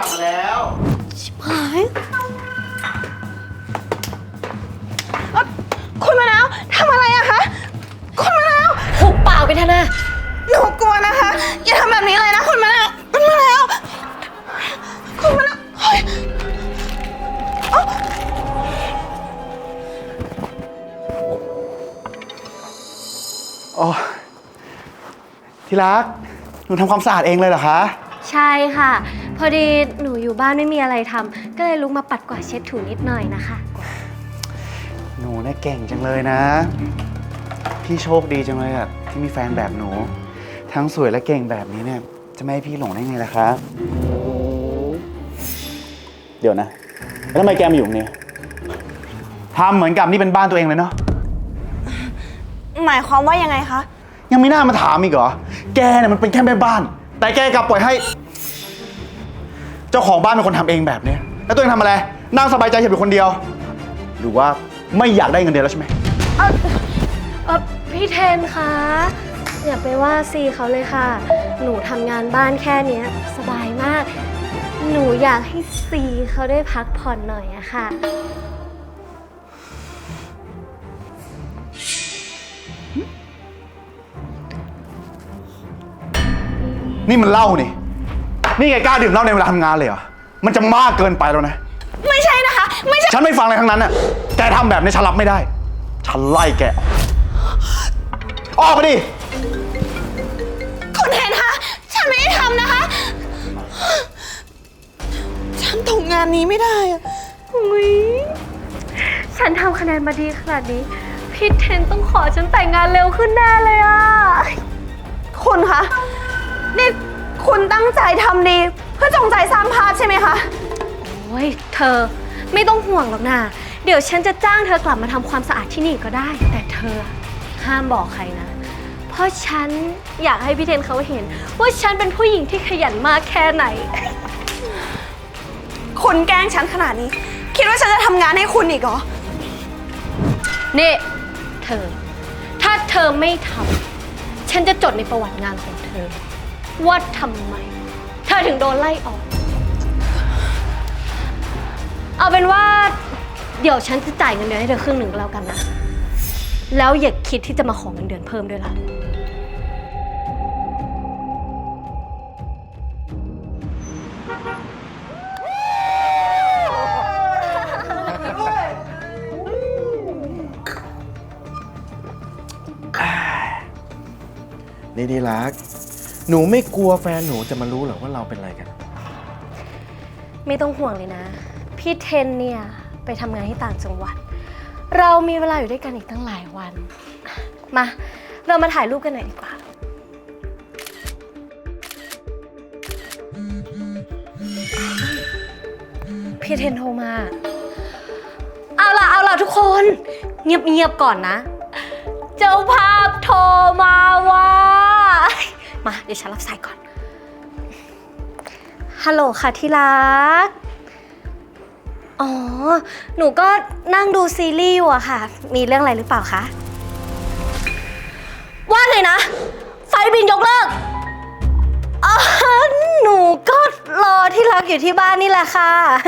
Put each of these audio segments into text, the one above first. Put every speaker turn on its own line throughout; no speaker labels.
ลับมาแล้ว
ชิบหายคุณมะนาวทำอะไรอะคะคุณมะนาวหุบปากไปเถอะนะหนูกลัวนะคะอย่าทำแบบนี้เลยนะคุณมะนาวคุณมะนาวคุณมะนาวเฮ้ย
โอ้ที่รักหนูทำความสะอาดเองเลยเหรอคะ
ใช่ค่ะ พอดีหนูอยู่บ้านไม่มีอะไรทำก็เลยลุกมาปัดกวาดเช็ดถูนิดหน่อยนะคะ
หนูเนี่ยเก่งจังเลยนะพี่โชคดีจังเลยอะที่มีแฟนแบบหนูทั้งสวยและเก่งแบบนี้เนี่ยจะไม่ให้พี่หลงได้ไงล่ะคะเดี๋ยวนะแล้วทำไมแกมาอยู่ตรงนี้ทำเหมือนกับนี่เป็นบ้านตัวเองเลยเนาะ
หมายความว่ายังไงคะ
ยังไม่น่ามาถามอีกเหรอแกเนี่ยมันเป็นแค่แม่บ้านแต่แกกลับปล่อยให้เจ้าของบ้านเป็นคนทำเองแบบนี้แล้วตัวเองทำอะไรนั่งสบายใจเฉยอยู่คนเดียวหรือว่าไม่อยากได้เงินเดือนแล้วใช่ไหม
พี่เทนคะอย่าไปว่าซีเขาเลยค่ะหนูทำงานบ้านแค่นี้สบายมากหนูอยากให้ซีเขาได้พักผ่อนหน่อยอะค่ะ
นี่มันเหล้านี่แกกล้าดื่มเหล้าในเวลาทำงานเลยเหรอมันจะมากเกินไปแล้วนะ
ไม่ใช่นะคะไม่ใช่
ฉันไม่ฟังอะไรทั้งนั้นน่ะแกทำแบบนี้ฉันรับไม่ได้ฉันไล่แกออกไปดิ
คุณเห็นคะฉันไม่ได้ทำนะคะฉันตกงานนี้ไม่ได้อะ
อุ๊ยฉันทำคะแนนมาดีขนาดนี้พี่เทนต้องขอฉันแต่งงานเร็วขึ้นแน่เลยอะ
คุณคะนี่คุณตั้งใจทำดีเพื่อจงใจสร้างภาพใช่ไหมคะ
โอ้ยเธอไม่ต้องห่วงหรอกนะเดี๋ยวฉันจะจ้างเธอกลับมาทำความสะอาดที่นี่ก็ได้แต่เธอห้ามบอกใครนะเพราะฉันอยากให้พี่เทนเขาเห็นว่าฉันเป็นผู้หญิงที่ขยันมากแค่ไหน
คุณแกล้งฉันขนาดนี้คิดว่าฉันจะทำงานให้คุณอีกเหรอ
นี่เธอถ้าเธอไม่ทำฉันจะจดในประวัติงานของเธอว่าทำไมเธอถึงโดนไล่ออกเอาเป็นว่าเดี๋ยวฉันจะจ่ายเงินเดือนให้เธอครึ่งหนึ่งก็แล้วกันนะแล้วอย่าคิดที่จะมาขอเงินเดือนเพิ่มด้วยล่ะ
นี่ดีรักหนูไม่กลัวแฟนหนูจะมารู้หรอว่าเราเป็นอะไรกัน
ไม่ต้องห่วงเลยนะพี่เทนเนี่ยไปทำงานที่ต่างจังหวัดเรามีเวลาอยู่ด้วยกันอีกตั้งหลายวันมาเรามาถ่ายรูปกันหน่อยดีกว่าพี่เทนโทรมาเอาล่ะทุกคนเงียบก่อนนะเจ้าภาพโทรมาว่ามาเดี๋ยวฉันรับสายก่อนฮัลโหลค่ะที่รักอ๋อหนูก็นั่งดูซีรีส์อยู่อะค่ะมีเรื่องอะไรหรือเปล่าคะว่าไงนะไฟบินยกเลิกอ๋อหนูก็รอที่รักอยู่ที่บ้านนี่แหละค่ะ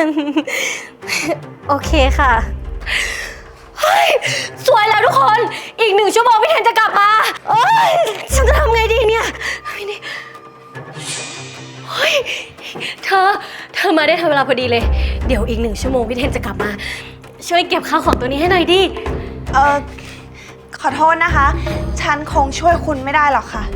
โอเคค่ะเฮ้ยสวยแล้วทุกคนอีก1 ชั่วโมงพี่เทนจะกลับมาเอ้ยฉันจะทำไงดีเนี่ยเฮ้ยเธอมาได้ทันเวลาพอดีเลยเดี๋ยวอีก1 ชั่วโมงพี่เทนจะกลับมาช่วยเก็บข้าวของตัวนี้ให้หน่อยดิ
ขอโทษนะคะฉันคงช่วยคุณไม่ได้หรอกค่ะ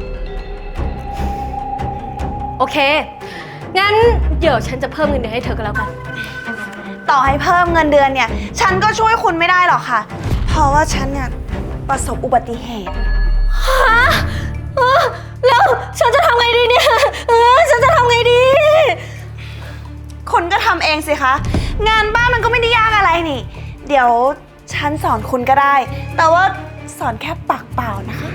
โอเคงั้นเดี๋ยวฉันจะเพิ่มเงินเดือนให้เธอก็แล้วกัน
ต่อให้เพิ่มเงินเดือนเนี่ยฉันก็ช่วยคุณไม่ได้หรอกค่ะเพราะว่าฉันเนี่ยประสบอุบัติเหตุ
ฮะแล้วฉันจะทำไงดีเนี่ยฉันจะทำไงดี
คุณก็ทำเองสิคะงานบ้านมันก็ไม่ได้ยากอะไรนี่เดี๋ยวฉันสอนคุณก็ได้แต่ว่าสอนแค่ปากเปล่านะคะ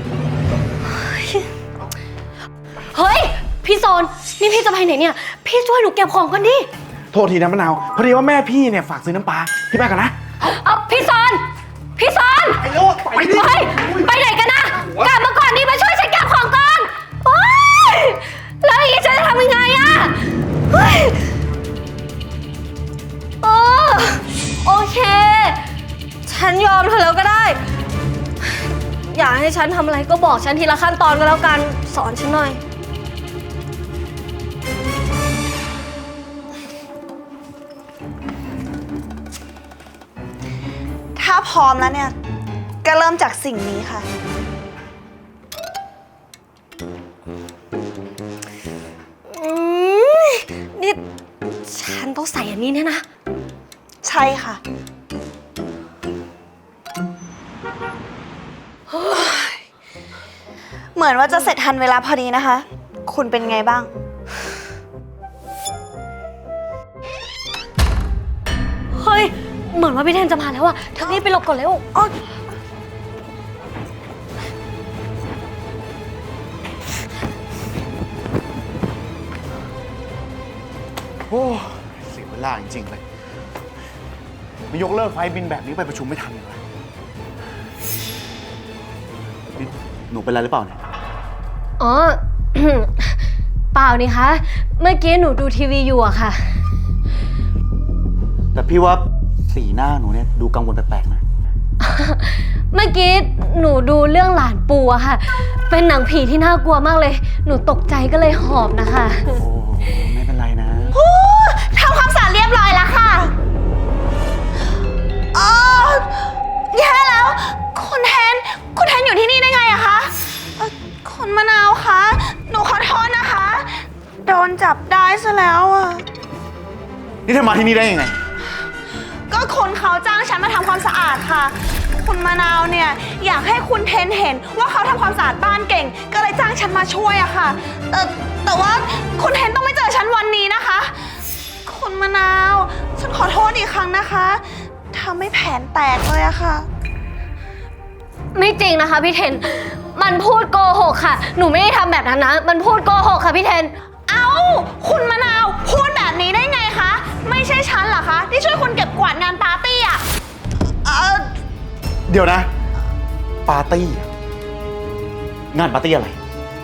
เฮ้ยพี่โซนนี่พี่จะไปไหนเนี่ยพี่ช่วยหนูเก็บของก่อนดิ
โทษทีนะมะนาวพอดีว่าแม่พี่เนี่ยฝากซื้อน้ำปลาพี่ไปก่อนนะ
พี่โซน
ไปโลดไปดิ
ไปไหนกันนะกลับมาก่อนดิมาช่วยฉันเก็บของก่อนโอ๊ยแล้วอย่างนี้ฉันจะทำยังไงอะเฮ้ยฉันยอมเธอแล้วก็ได้ อยากให้ฉันทำอะไรก็บอกฉันทีละขั้นตอนก็แล้วกัน สอนฉันหน่อย
ถ้าพร้อมแล้วเนี่ย ก็เริ่มจากสิ่งนี้ค่ะ
นี่ฉันต้องใส่อันนี้เนี่ยนะ
ใช่ค่ะ เหมือนว่าจะเสร็จทันเวลาพอดีนะคะ คุณเป็นไงบ้าง
เฮ้ย เหมือนว่าพี่เทนจะมาแล้วอะเธอรีบไปหลบก่อนเร็วอ๋อ
โอ้เสียเวลาจริงๆเลยมายกเลิกไฟล์บินแบบนี้ไปประชุมไม่ทันเลยนี่หนูเป็นอะไรหรือเปล่าเนี่ย
อ๋อ เปล่านี่คะ เมื่อกี้หนูดูทีวีอยู่อะค่ะ
แต่พี่ว่าสีหน้าหนูเนี่ยดูกังวลแปลกๆนะ
เมื่อกี้หนูดูเรื่องหลานปูอะค่ะ เป็นหนังผีที่น่ากลัวมากเลย หนูตกใจก็เลยหอบนะคะ
โอ้ไม่เป็นไรนะ
ทำความสะอาดเรียบร้อยแล้วค่ะอ๋อแย่แล้ว คุณแทนอยู่ที่นี่ได้ไงอะคะคุณมะนาวคะ หนูขอโทษนะคะ โดนจับได้ซะแล้วอะ
นี่เธอมาที่นี่ได้ยังไง
ก็คนเขาจ้างฉันมาทำความสะอาดค่ะ คุณมะนาวเนี่ยอยากให้คุณเทนเห็นว่าเขาทำความสะอาดบ้านเก่ง ก็เลยจ้างฉันมาช่วยอะค่ะ แต่ว่าคุณเทนต้องไม่เจอฉันวันนี้นะคะ คุณมะนาว ฉันขอโทษอีกครั้งนะคะทำให้แผนแตกเลยอะค่ะ
ไม่จริงนะคะพี่เทน มันพูดโกหกค่ะ หนูไม่ได้ทำแบบนั้นนะ มันพูดโกหกค่ะพี่เทน
เอ้า คุณมะนาวพูดแบบนี้ได้ไงคะ ไม่ใช่ฉันเหรอคะ ที่ช่วยคุณเก็บกวาดงานปาร์ตี้อะ
เดี๋ยวนะ ปาร์ตี้อะงานปาร์ตี้อะไร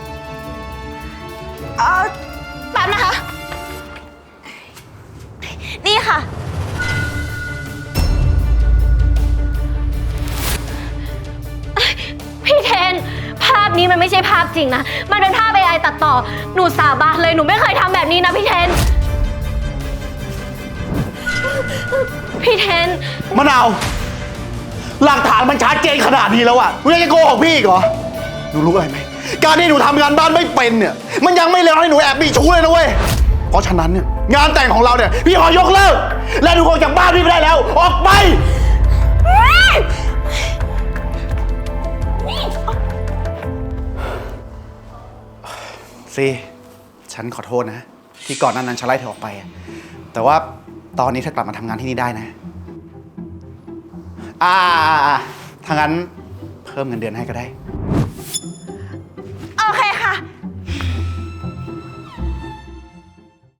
แป๊บนะคะ นี่ค่ะ
พี่เทน ภาพนี้มันไม่ใช่ภาพจริงนะ มันเป็นภาพ AI ตัดต่อ หนูสาบานเลย หนูไม่เคยทำแบบนี้นะพี่เทน พี่เทน
มะนาว หลักฐานมันชัดเจนขนาดนี้แล้วอะหนูยังจะโกหกพี่อีกเหรอ หนูรู้อะไรไหม การที่หนูทำงานบ้านไม่เป็นเนี่ย มันยังไม่เลวให้หนูแอบมีชู้เลยนะเว้ย เพราะฉะนั้นเนี่ยงานแต่งของเราเนี่ยพี่ขอยกเลิก และหนูออกจากบ้านพี่ไม่ได้แล้ว ออกไป สิฉันขอโทษนะ ที่ก่อนหน้านั้นฉันไล่เธอออกไปอะแต่ว่าตอนนี้เธอกลับมาทำงานที่นี่ได้นะถ้างั้นเพิ่มเงินเดือนให้ก็ได้